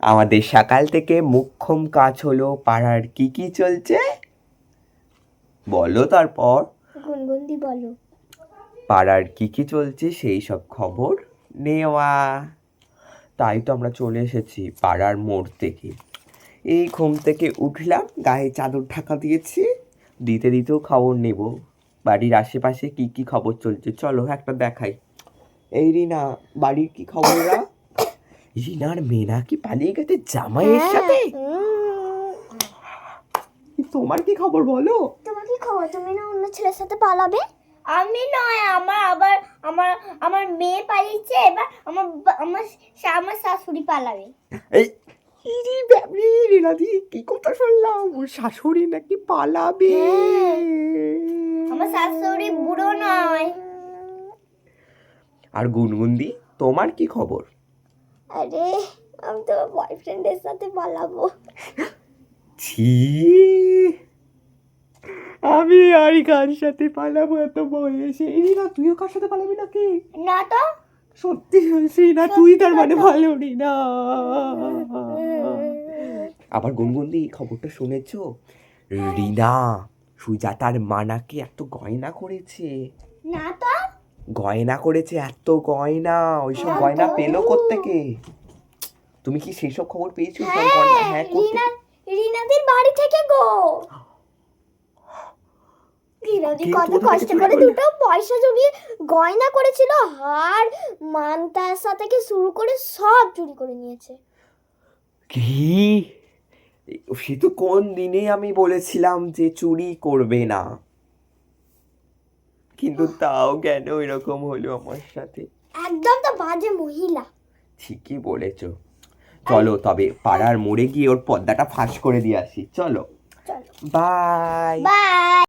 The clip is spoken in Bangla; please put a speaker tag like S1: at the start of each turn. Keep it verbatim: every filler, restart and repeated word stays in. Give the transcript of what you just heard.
S1: আমাদের সকাল থেকে মুখ্যম কাজ হলো পাড়ার কি কি চলছে বলো। তারপর
S2: গুনগুনদি বলো।
S1: পাড়ার কি কি চলছে সেই সব খবর নেওয়া। তাই তো আমরা চলে এসেছি পাড়ার মোড় থেকে। এই ঘুম থেকে উঠলাম, গায়ে চাদর ঢাকা দিয়েছি, দিতে দিতেও খবর নেব বাড়ির আশেপাশে কি কি খবর চলছে। চলো একটা দেখাই। এই রিনা, বাড়ির কি খবররা? রিনার মেয়ে নাকি পালিয়ে গেছে জামাইয়ের সাথে। তোমার কি খবর বলো?
S2: তোমার কি খবর? তুমি না অন্য ছেলের সাথে পালাবে?
S3: আমি নয়, আমার আবার আমার আমার মেয়ে পালিয়েছে, এবার আমার বা- আমার শা- আমার শাশুড়ি পালাবে।
S1: এই ইরি ব্যাবরি, রিনাদি কি কথা শুনলাম, ওর শাশুড়ি নাকি পালাবে।
S3: আমার শাশুড়ি বুড়ো নয়।
S1: আর গুনগুনদি, তোমার কি খবর?
S2: আরে আমি তো বয়ফ্রেন্ডের সাথে পালাবো।
S1: ছি, আমি আর কার সাথে পালাবো এত বয়সে? এই না, তুইও কার সাথে পালাবি নাকি?
S3: না তো।
S1: সত্যি বলছি না, তুই তার মানে ভালো না। আবার গুনগুনদি, খবরটা শুনেছো? রিনা সুজাতার মা নাকি এত গয়না করেছে।
S3: না তো।
S1: গয়না করেছে এত গয়না, ওইসব গয়না পেলো কোত্থেকে? তুমি কি সেই সব খবর পেয়েছো? সব গয়না হ্যাঁ
S2: রিনা রিনাদির বাড়ি থেকে গো। রিনাদি
S1: কে
S2: কত
S1: কোথা থেকে
S2: কষ্ট
S1: চুরি
S2: করে
S1: করলো?
S2: দুটো পয়সা জমিয়ে গয়না করেছিল, হার মানতাসা থেকে শুরু করে সব চুরি করে নিয়েছে।
S1: কি? সে তো কোন দিনে আমি বলেছিলাম যে চুরি করবে না, কিন্তু তাও কেন এরকম হলো আমার সাথে?
S2: একদম তো বাজে মহিলা।
S1: ঠিকই বলেছো। চলো তবে পাড়ার মোড়ে গিয়ে ওর পর্দাটা ফাঁস করে দিয়ে আসি। চলো,
S2: চলো
S1: বাই।
S3: বাই।